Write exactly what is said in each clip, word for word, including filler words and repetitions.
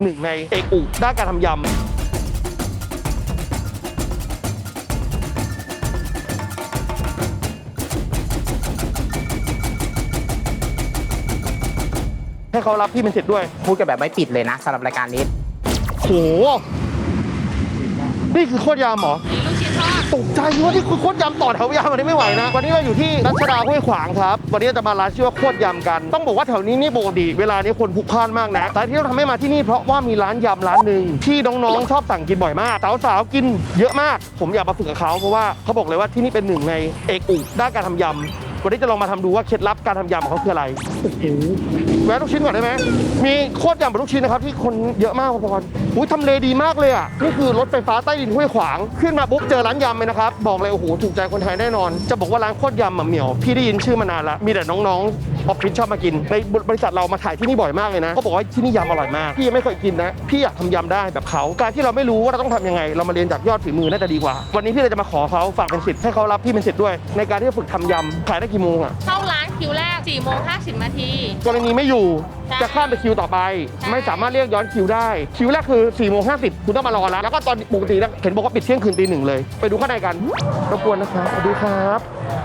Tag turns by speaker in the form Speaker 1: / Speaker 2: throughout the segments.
Speaker 1: หนึ่งในเอกอุด้านการทำยำให้เขารับพี่เป็นสิทธิ์ด้วย
Speaker 2: พูดกันแบบไม่ปิดเลยนะสำหรับรายการนี้
Speaker 1: โหนี่คือโคตรยำเหรอลูกชิ้นทอดตกใจว่านี่คือโคตรยำต่อแถวยำวันนี้ไม่ไหวนะวันนี้เราอยู่ที่รัชดาห้วยขวางครับวันนี้จะมาร้านชื่อว่าโคตรยำกันต้องบอกว่าแถวนี้นี่ปกติเวลานี้คนพลุกพล่านมากนะแต่ที่เราทำให้มาที่นี่เพราะว่ามีร้านยำร้านหนึ่งที่น้องๆชอบสั่งกินบ่อยมากสาวๆกินเยอะมากผมอยากมาฝึกกับเขาเพราะว่าเขาบอกเลยว่าที่นี่เป็นหนึ่งในเอกอุด้านการทำยำวันนี้จะลองมาทำดูว่าเคล็ดลับการทำยำของเขาคืออะไรโอ้โหแวะลูกชิ้นก่อนได้ไหมมีโคตรยำกับลูกชิ้นนะครับที่คนเยอะมากพอๆอุ้ยทำเลดีมากเลยอ่ะนี่คือรถไฟฟ้าใต้ดินห้วยขวางขึ้นมาปุ๊บเจอร้านยำเลยนะครับบอกเลยโอ้โหถูกใจคนไทยแน่นอนจะบอกว่าร้านโคตรยำเหมี่ยวพี่ได้ยินชื่อมานานแล้วมีแต่น้องๆออฟฟิศชอบมากินในบริษัทเรามาถ่ายที่นี่บ่อยมากเลยนะเขาบอกว่าที่นี่ยำอร่อยมากพี่ยังไม่เคยกินนะพี่อยากทำยำได้แบบเขาการที่เราไม่รู้ว่าเราต้องทำยังไงเรามาเรียนจากยอดฝีมือน่าจะดีกว่าวันนี้พี่เลยจะมาขอเขาฝากเป็นสิทธิ์ให้เขารับพี่เป็นสิทธิ์ด้วยในการที่จะฝึกทำยำขายได้กี่โมงอ่ะ
Speaker 3: เข้าร้านคิวแรกสี่โมงห้าสิบนาที
Speaker 1: กรณีไม่อยู่จะข้ามไปคิวต่อไปไม่สามารถเรียกย้อนคิวได้คิวแรกคือสี่โมงห้าสิบคุณต้องมารอแล้วแล้วก็ตอนปกติเห็นบอกว่าปิดเที่ยงคืนตีหนึ่งเลยไปดูข้างในกันรบกวนนะครับสวัสดีครับ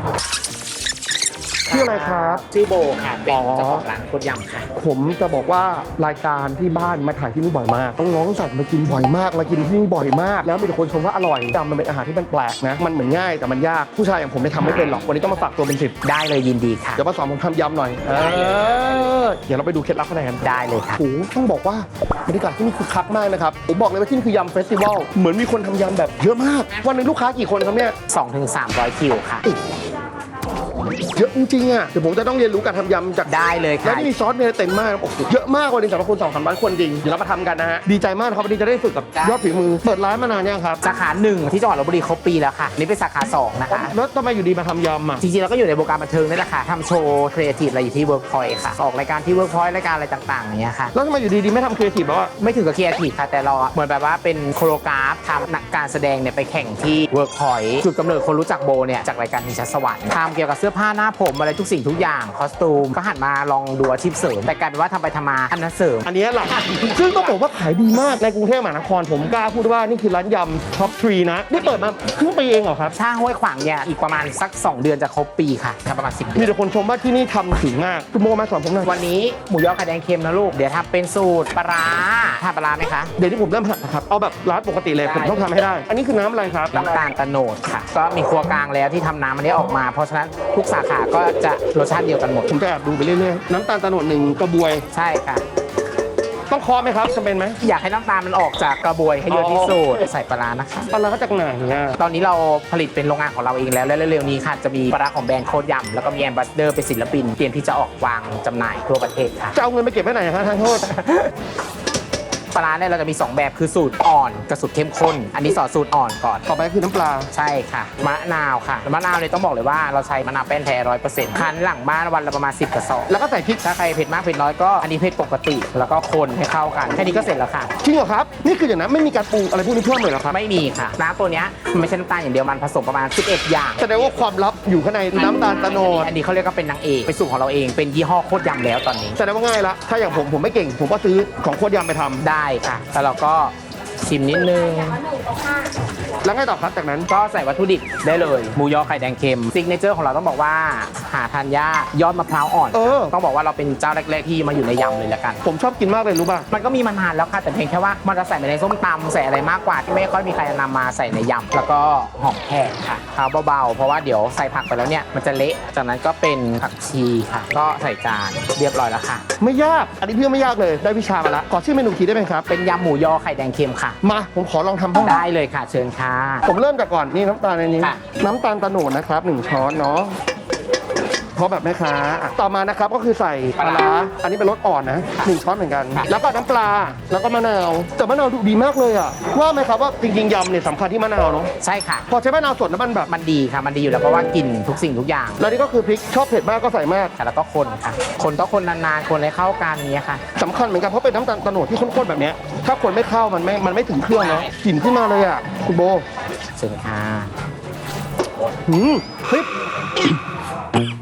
Speaker 1: ชื่ออะไรครับ
Speaker 2: ชื่อโบค่ะเป็นเจ้าของร้านโคตรยำค่ะ
Speaker 1: ผมจะบอกว่ารายการที่บ้านมาถ่ายที่นี่บ่อยมากน้องๆสั่งมากินบ่อยมากมากินที่นี่บ่อยมากแล้วมีแต่คนชมว่าอร่อยยำมันเป็นอาหารที่มันแปลกนะมันเหมือนง่ายแต่มันยากผู้ชายอย่างผมไม่ทำไม่เป็นหรอกวันนี้ต้องมาฝากตัวเป็นสิบ
Speaker 2: ได้เลยยินดีค่ะ
Speaker 1: เดี๋ยวมาสอนผมทำยำหน่อยเออเดี๋ยวเราไปดูเคล็ดลับข้างในกัน
Speaker 2: ได้เลยค่ะ
Speaker 1: โอ้ต้องบอกว่าบรรยากาศที่นี่คือคักมากนะครับผมบอกเลยว่าที่นี่คือยำเฟสติวัลเหมือนมีคนทำยำแบบเยอะมากวันนึงลูกค้ากี่คนครับเนี่ย
Speaker 2: สองถึงสามร้อย คิวค่ะ
Speaker 1: เยอะจริงๆอ่ะเดี๋ยวผมจะต้องเรียนรู้การทำยำจาก
Speaker 2: ได้เลยค่ะ
Speaker 1: แล้วนี่มีซอสเนยเต็มมากโอ้โหเยอะมากวันนึงสำหรับคนสองสามร้อยคนจริงเดี๋ยวเรามาทำกันนะฮะดีใจมากครับวันนี้จะได้ฝึกกับยอดฝีมือเปิดร้านมานานยังครับ
Speaker 2: สาขาหนึ่งที่จังหวัดลพบุรีครบปีแล้วค่ะนี่เป็นสาขาสองนะคะ
Speaker 1: แล้วทำไมอยู่ดีมาทำยำอ่ะ
Speaker 2: จริงๆเราก็อยู่ในวงการบันเทิงนี่แหละค่ะทำโชว์ครีเอทีฟอะไรอยู่ที่เวิร์กพอยต์ค่ะออกรายการที่เวิร์กพอยต์รายการอะไรต่างๆอย่างเงี้ยค่ะ
Speaker 1: แล้วทำไมอยู่ดีๆไม่ทำครีเอทีฟแล้วอ่ะ
Speaker 2: ไม่ถึงกับครีเอทีฟค่ะแต่เราเหมือนแบบว่าเป็นโคโรกราฟทำนักการแสดงเนี่ยไปแข่งที่เวิร์กพอยต์จุดกำเนิดคนรู้จักโบเนี่ยจากรายการชิงช้าสวรรค์ทำเกี่ยวกับเสื้อผ้าหน้าผมอะไรทุกสิ่งทุกอย่างคอสตูมก็หันมาลองดูอาชีพเสริมแต่กลายเป็นว่าทำไปทำมาอันนั้นเสริม
Speaker 1: อันนี้หลักซึ่งต้องบอกว่าขายดีมากในกรุงเทพมหานครผมกล้าพูดว่านี่คือร้านยำท็อปทรีนะนี่เปิดมาครึ่งปีเองเหรอครับ
Speaker 2: ถ้าห้วยขวางเนี่ยอีกประมาณสักสองเดือนจะครบปีค่ะประมาณสิบเดือน
Speaker 1: มีแต่คนชมว่าที่นี่ทำถึงมากคุณโมมาสอนผมหน่อย
Speaker 2: วันนี้หมูยอไข่แดงเค็มนะลูกเดี๋ยวทำเป็นสูตรปลาร้าทำปลาร้าไหมคะ
Speaker 1: เดี๋ยวที่ผมเริ่มหัดนะครับเอาแบบร้านปกติเลยผมต้องทำให้ได้อันนี้คือน้ำอะไรครับ
Speaker 2: น้ำตาลตะโนดค่ะก็มีครัวกลางแล้วที่ทำน้ำอันนี้ออกมาเพราะฉะนั้นทุกสาขาก็จะรสชาติเดียวกันหมด
Speaker 1: ผมจะแอบดูไปเรื่อยๆน้ำตาลตะโนดหนึ่งกระบวย
Speaker 2: ใช่ค่ะ
Speaker 1: ต้องเคาะไหมครับจำเป็นไหม
Speaker 2: อยากให้น้ำตาลมันออกจากกระบวยให้เยอะที่สุดใส่ปลาร้านะคะ
Speaker 1: ปลาร้าจากไหนเนี่ย
Speaker 2: ตอนนี้เราผลิตเป็นโรงงานของเราเองแล้วและเร็วๆนี้ค่ะจะมีปลาร้าของแบรนด์โคตรยำแล้วก็มีแอมบาสเดอร์เป็นศิลปินเตรียมที่จะออกวางจำหน่ายทั่วประเทศค่ะ
Speaker 1: จะเอาเงินไปเก็บไว้ไหนครับท่านโทษ
Speaker 2: ปลาร้าเนี่ยเราจะมีสองแบบคือสูตรอ่อนกับสูตรเข้มข้นอันนี้สอนสูตรอ่อนก่อน
Speaker 1: ต่อไปคือน้ำปลา
Speaker 2: ใช่ค่ะมะนาวค่ะมะนาวเนี่ยต้องบอกเลยว่าเราใช้มะนาวแป้นแท้ร้อยเปอร์เซ็นต์คั้นหลังบ้านวันละประมาณสิบกระสอบ
Speaker 1: แล้วก็ใส่พริก
Speaker 2: ถ้าใครเผ็ดมากเผ็ดน้อยก็อันนี้เผ็ดปกติแล้วก็คนให้เข้ากันแค่นี้ก็เสร็จแล้วค่ะ
Speaker 1: จริงเหรอครับนี่คืออย่างนั้นไม่มีการปรุงอะไรพวกนี้เพิ่มเลยเหรอครับ
Speaker 2: ไม่มีค่ะน้ำตัวนี้มันไม่ใช่น้ำตาลอย่างเดียวมันผสมประมาณสิบเอ็ดอย่าง
Speaker 1: แสดงว่าความลับอยู่ข้างในน้ำตาลตะโนด
Speaker 2: อันนี้เขาเรียกว่าเป็นนางเอกเป็นสูตรของเราเองเป็นยี่ห้อโคตรยำแล้วตอนนี้
Speaker 1: แสดงว่าง่ายละถ้าอย่างผมผมไม่เก่งผมก็ซื้อของโคตรยำไปทำ
Speaker 2: ได้ค่ะแล้วเราก็ชิมนิดนึง
Speaker 1: แล้วไงต่อครับจากนั้น
Speaker 2: ก็ใส่วัตถุดิบได้เลยหมูยอไข่แดงเค็มซิกเนเจอร์ของเราต้องบอกว่าหาทานยากยอดมะพร้าวอ่อนต้องบอกว่าเราเป็นเจ้าแรกๆที่มาอยู่ในยำเลยละกัน
Speaker 1: ผมชอบกินมากเลยรู้ป่ะ
Speaker 2: มันก็มีมานานแล้วค่ะแต่เพียงแค่ว่ามันจะใส่ไปในส้มตำใส่อะไรมากกว่าที่ไม่ค่อยมีใครนำมาใส่ในยำแล้วก็หอมแขกค่ะเอาเบาๆเพราะว่าเดี๋ยวใส่ผักไปแล้วเนี่ยมันจะเละจากนั้นก็เป็นผักชีค่ะก็ใส่จานเรียบร้อยแล้วค่ะ
Speaker 1: ไม่ยากอันนี้พี่ไม่ยากเลยได้วิชามาแล้วขอชื่อเมนูทีได้ไหมครับ
Speaker 2: เป็นยำหมูยอไข่แดงเค็มค่ะ
Speaker 1: มาผมขอลองทำบ้าง
Speaker 2: ได้เลยค่ะเชิญค่ะ
Speaker 1: ผมเริ่มจากก่อนนี่น้ำตาลในนี้น้ำตาลตะโนดนะครับหนึ่งช้อนเนาะเพราะแบบแม่ค้าต่อมานะครับก็คือใส่ปลาร้าอันนี้เป็นรสอ่อนนะหนึ่งช้อนเหมือนกันแล้วก็น้ำปลาแล้วก็มะนาวแต่มะนาวดูดีมากเลยอ่ะว่าไหมครับว่าจริงๆยำเนี่ยสำคัญที่มะนาวเนาะ
Speaker 2: ใช่ค่ะ
Speaker 1: พอใช้มะนาวสดแล้วมันแบบ
Speaker 2: มันดีค่ะมันดีอยู่แล้วเพราะว่ากินทุกสิ่งทุกอย่าง
Speaker 1: แล้วนี่ก็คือพริกชอบเผ็ดมากก็ใส่มาก
Speaker 2: แล้วก็คนค่ะคนต้องคนนานๆคนให้เข้ากันนี้ค่ะ
Speaker 1: สำคัญเหมือนกันเพราะเป็นน้ำตาลตะโนดที่ข้นๆแบบนี้ถ้าคนไม่เข้ามันไม่มันไม่ถึงเครื่องเนาะกลิ่นขึ้นมาเลยอ่ะคุณโบ
Speaker 2: เชิญค่ะ
Speaker 1: หืมเฮ้ย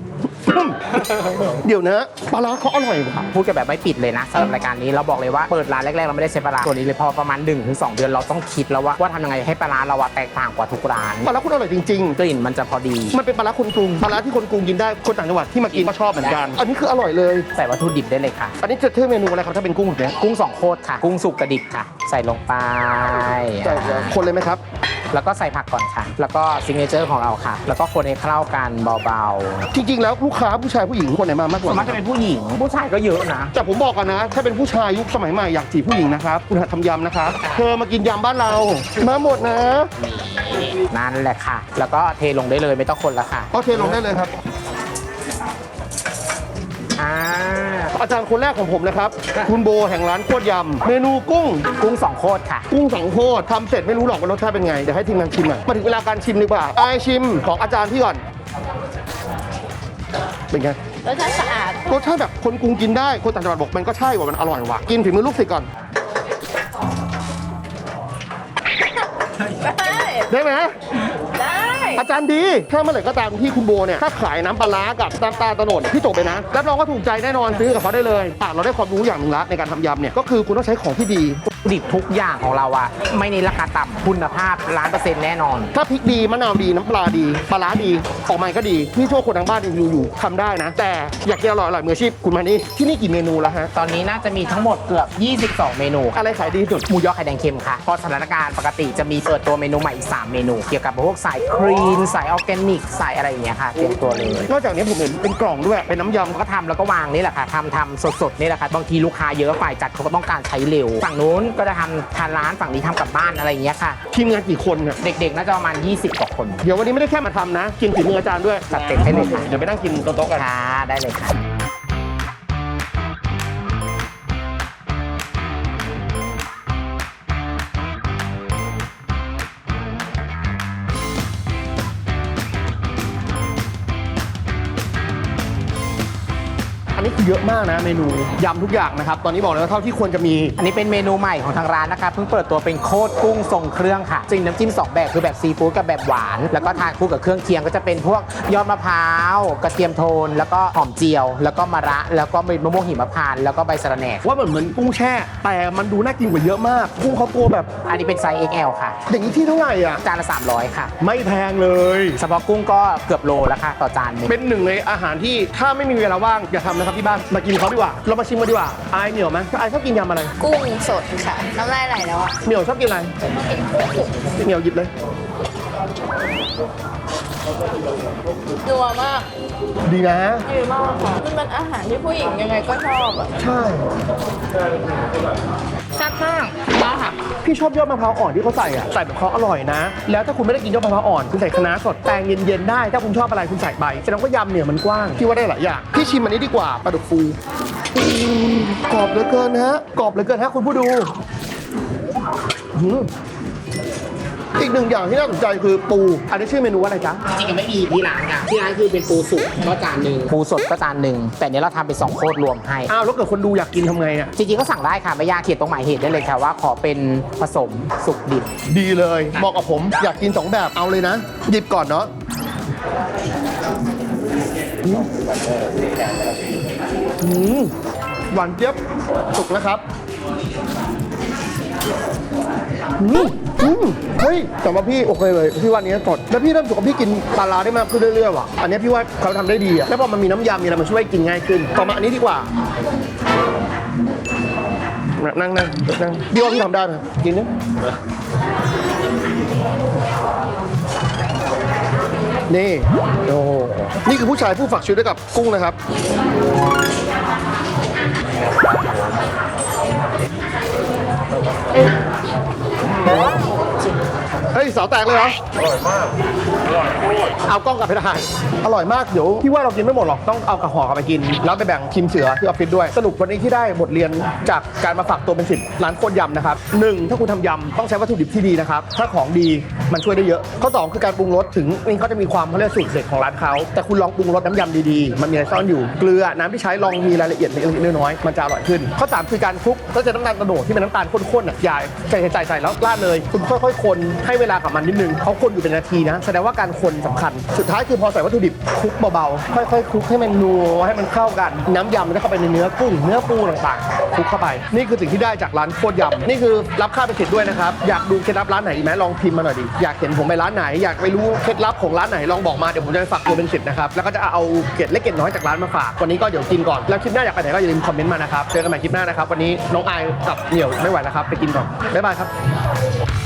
Speaker 1: เดี๋ยวนะปลาร้าเขาอร่อยว่ะ
Speaker 2: พูดกันแบบไม่ปิดเลยนะสำหรับรายการนี้เราบอกเลยว่าเปิดร้านแรกๆเราไม่ได้ใช้ปลาร้าตัวนี้เลยพอประมาณ หนึ่งถึงสอง เดือนเราต้องคิดแล้วว่าว่าทำยังไงให้ปลาร้าเราอะแตกต่างกว่าทุกร้าน
Speaker 1: ปลาร้าคุณอร่อยจริง
Speaker 2: กลิ่นมันจะพอดี
Speaker 1: ๆมันเป็นปลาร้าคนกรุงปลาร้าที่คนกรุงกินได้คนต่างจังหวัดที่มากินก็ชอบเหมือนกันอันนี้คืออร่อยเลย
Speaker 2: ใส่วัตถุดิบได้เลยค่ะ
Speaker 1: อันนี้จะเท่เมนูอะไรครับถ้าเป็นกุ้งแบบเนี้ย
Speaker 2: กุ้งสองโคตรค่ะ กุ้งสุกกระดิบค่ะ ใส่ลงไป
Speaker 1: ใช่ครับคนเลยไหมครับ
Speaker 2: แล้วก็ใส่ผักก่อนค่ะ แล้วก็ซิกเนเจอร์ของเราค่ะ แล้วก็คนให้เข้ากันเบา
Speaker 1: จริงๆแล้วลูกค้าผู้ชายผู้หญิงคนไหนมามาก
Speaker 2: ๆ
Speaker 1: ก
Speaker 2: ส่ว
Speaker 1: ว่าน
Speaker 2: มากจะเป็นผู้หญิง ผู้ชายก็เยอะนะ
Speaker 1: แต่ผมบอกกันนะ ถ้าเป็นผู้ชายยุคสมัยใหม่อยากจีบผู้หญิงนะครับคุณหัดทำยำนะครับเธอมากินยำบ้านเรามาหมดนะ
Speaker 2: นั่นแหละค่ะ แล้วก็เทลงได้เลยไม่ต้องคนละค่ะ
Speaker 1: โอเคลงได้เลยครับ
Speaker 2: อ่า
Speaker 1: อาจารย์คนแรกของผมนะครับ คุณโบแห่งร้านโคตรยำเมนูกุ้ง
Speaker 2: กุ้งสองโคตรค่ะ
Speaker 1: กุ้งสังโคตรทำเสร็จไม่รู้หรอกว่ารสชาติเป็นไง เดี๋ยวให้ทีมงานชิมหน่อยมาถึงเวลาการชิมดีกว่าไอายชิมของอาจารย์พี่ก่อน เป็นไง
Speaker 3: รสชาติสะอาด
Speaker 1: รสชาติแบบคนกรุงกินได้คนต่างจังหวัดบอกมันก็ใช่ว่ามันอร่อยว่ะกินฝีมือลูกศิษย์ก่อน
Speaker 3: ได้
Speaker 1: ได้ไหม
Speaker 3: ได้
Speaker 1: อาจารย์ดีถ้าเมื่อไหร่ก็ตามที่คุณโบเนี่ยถ้าขายน้ำปลาร้ากับน้ำตาลโตนดพี่จบไปนะรับรองว่าถูกใจแน่นอนซื้อกับเขาได้เลยอ่ะเราได้ความรู้อย่างหนึ่งละในการทำยำเนี่ยก็คือคุณต้องใช้ของที่ดี
Speaker 2: ดิบทุกอย่างของเราอะไม่ในราคาต่ำคุณภาพล้านเปอร์เซ็นต์แน่นอน
Speaker 1: ถ้าพริกดีมะนาวดีน้ำปลาดีปลาร้าดีออกมาก็ดีพี่โชคคนทางบ้านยังอยู่อยู่ทำได้นะ แต่อยากกินอร่อยอร่อยมืออาชีพคุณมานี่ที่นี่กี่เมนูแล้วฮะ
Speaker 2: ตอนนี้น่าจะมีทั้งหมดเกือบ ยี่สิบสอง เมนู
Speaker 1: อะไรขายดีสุด
Speaker 2: หมูยอไข่แดงเค็มค่ะเพราะสถานการณ์ปกติจะมีเปิดตัวเมนูใหม่อีก สาม เมนู เกี่ยวกับพวกสายครีนสายออร์แกนิกสายอะไรอย่างเงี้ยค่ะเตรียมตัวเลย
Speaker 1: นอกจากนี้ผมเห็นเป็นกล่องด้วยเป็นน้ำยำ
Speaker 2: ก็ทำแล้วก็วางนี่แหละค่ะทำทำสดๆนี่แหละค่ะบางทีลูกค้าเยอะฝ่ายจัดเขาก็ต้องการใช้เร็วฝั่งนู้นก็จะทำทานร้านฝั่งนี้ทำกลับบ้านอะไรอย่างเงี้ยค่ะ
Speaker 1: ทีมงานกี่คนเนี่ย
Speaker 2: เด็กๆน่าจะประมาณ ยี่สิบ กว่าคน
Speaker 1: เดี๋ยววันนี้ไม่ได้แค่มาทำนะกินฝีมืออาจารย์ด้วย
Speaker 2: จัดเต็มให้เลยค่ะ
Speaker 1: เดี๋ยวไปนั่งกินโต๊ะๆกัน
Speaker 2: ค่ะได้เลยค่ะ
Speaker 1: อันนี้คือเยอะมากนะเมนูยำทุกอย่างนะครับตอนนี้บอกเลยว่าเท่าที่ควรจะมี
Speaker 2: อันนี้เป็นเมนูใหม่ของทางร้านนะคะเพิ่งเปิดตัวเป็นโคตรกุ้งทรงเครื่องค่ะจริงน้ำจิ้มสองแบบคือแบบซีฟู้ดกับแบบหวาน แล้วก็ทานคู่กับเครื่องเคียงก็จะเป็นพวกยอดมะพร้าวกระเทียมโทน แล้วก็หอมเจียว แล้วก็มะระแล้วก็มะม่วงหิมพานต์แล้วก็ใบสะระแหน่
Speaker 1: ว่าเหมือนเหมือนกุ้งแช่ แต่มันดูน่ากินกว่าเยอะมาก กุ้งเขาตัวแบบ
Speaker 2: อันนี้เป็นไซส์ เอ็กซ์ แอล ค่ะ
Speaker 1: อย่างนี้ที่เท่าไหร่อ่ะ
Speaker 2: จานละสามร้อยค่ะ
Speaker 1: ไม่แพงเลย
Speaker 2: เฉพาะกุ้งก็เกือบโลแล้วค่ะต่อจานหนึง
Speaker 1: เป็นหนึ่งในอาหารที่ถ้าไม่มีเวลาว่างอย่าทำนะครับที่บ้านมากินเขาดีกว่าเรามาชิมกันดีกว่าอายเหนียวไหมอายชอบกินยำอะไร
Speaker 3: กุ้งสดค่ะ น้ำลายไหลแล้วอ่ะ
Speaker 1: เหนียวชอบกินอะไรเหนียวหยิบเลย
Speaker 3: นัวมาก
Speaker 1: ดีนะ
Speaker 3: ดีมากค่ะมันเป็นอาหารที่ผู้หญิงยังไงก็ชอบอ่ะ
Speaker 1: ใช่
Speaker 3: แซ่บมากมากค่ะ
Speaker 1: พี่ชอบยอดมะพร้าวอ่อนที่เขาใส่อ่ะใส่แบบเขาอร่อยนะ แล้วถ้าคุณไม่ได้กินยอดมะพร้าวอ่อนคุณใส่คะน้าสดแตงเย็นๆได้ถ้าคุณชอบอะไรคุณใส่ไปแสดงว่ายำเนี่ยมันกว้างพี่ว่าได้หลายอย่างพี่ชิมอันนี้ดีกว่าปลาดุกฟูอืมกรอบเหลือเกินฮะกรอบเหลือเกินฮะคุณผู้ดูอืมอีกหนึ่งอย่างที่น่าสนใจคือปูอันนี้ชื่อเมนูว่าอะไรจ๊ะ
Speaker 2: จริงๆไม่มีที่ร้านค่ะที่ร้านคือเป็นปูสุกก็จานหนึ่งปูสดก็จานหนึ่งแต่เนี้ยเราทำเป็นสองโคตรรวมให้
Speaker 1: อ้าวแล้วเกิดคนดูอยากกินทำไงอ่ะ
Speaker 2: จริงๆก็สั่งได้ค่ะไม่ยากเขียนตรงหมายเหตุได้เลยค่ะว่าขอเป็นผสมสุกดิบ
Speaker 1: ดีเลยเหมาะกับผมอยากกินสองแบบเอาเลยนะ หยิบก่อนเนาะอืมอืมหวานเจี๊ยบสุกนะครับอืมอืมเฮ้ยแต่ว่าพี่โอเคเลยพี่ว่าอันนี้สดแล้วพี่เริ่มรู้สึกว่าพี่กินปลาร้าได้มากขึ้นเรื่อยๆว่ะอันนี้พี่ว่าเขาทำได้ดีอะแล้วพอมันมีน้ำยำมีอะไรมาช่วยกินง่ายขึ้นต่อมาอันนี้ดีกว่านั่งนั่งนั่งพี่ว่าพี่ทำได้ไหมกินนะนี่โอ้โหนี่คือผู้ชายผู้ฝากชีวิตไว้กับกุ้งนะครับเฮ้ยสาวแตกเลยเหรอ อร่อยมาก อร่อยเอากล้องกลับไปทานอร่อยมาก เดี๋ยวพี่ว่าเรากินไม่หมดหรอก ต้องเอากระห่อกลับไปกิน แล้วไปแบ่งทีมเสือที่ออฟฟิศด้วย สรุปวันนี้ที่ได้บทเรียนจากการมาฝากตัวเป็นสิทธิ์ร้านโคตรยำนะครับหนึ่งถ้าคุณทำยำต้องใช้วัตถุดิบที่ดีนะครับ ถ้าของดีมันช่วยได้เยอะ ข้อสองคือการปรุงรสถึงนี่เขาจะมีความเขาเรียกสูตรเด็ดของร้านเขา แต่คุณลองปรุงรสน้ำยำดีๆ มันมีอะไรซ่อนอยู่ เกลือ น้ำที่ใช้ลองมีรายละเอียดเล็กๆน้อยๆมันจะอร่อยขึ้น ข้อสามคือการคลุกก็จะน้ำตาลกระโดดที่เป็นน้ำตาลข้นๆอ่ะอย่าใส่ใส่ใส่แล้วราดเลย คุณค่อยๆคนให้เวลาลากับมันนิดนึงเขาคนอยู่เป็นนาทีนะแสดงว่าการคนสำคัญสุดท้ายคือพอใส่วัตถุดิบคลุกเบาๆค่อยๆคลุกให้มันนัวให้มันเข้ากันน้ำยำมันจะเข้าไปในเนื้อกุ้งเนื้อปูต่างๆคลุกเข้าไปนี่คือสิ่งที่ได้จากร้านโคตรยำนี่คือรับค่าเป็นสิทธิ์ด้วยนะครับอยากดูเคล็ดลับร้านไหนอีกไหมลองพิมพ์มาหน่อยดิอยากเห็นผมไปร้านไหนอยากไปรู้เคล็ดลับของร้านไหนลองบอกมาเดี๋ยวผมจะไปฝากตัวเป็นสิทธิ์นะครับแล้วก็จะเอาเกล็ดเล็กเกล็ดน้อยจากร้านมาฝากวันนี้ก็เดี๋ยวกินก่อนแล้วคลิปหน้าอยากไปไหนก็อย่าลืมคอมเมนต์มานะครับเจอกันใหม่คลิปหน้านะครับวันนี้น้องอายกับเหนียวไม่ไหวแล้วครับไปกินก่อนบ๊ายบายครับ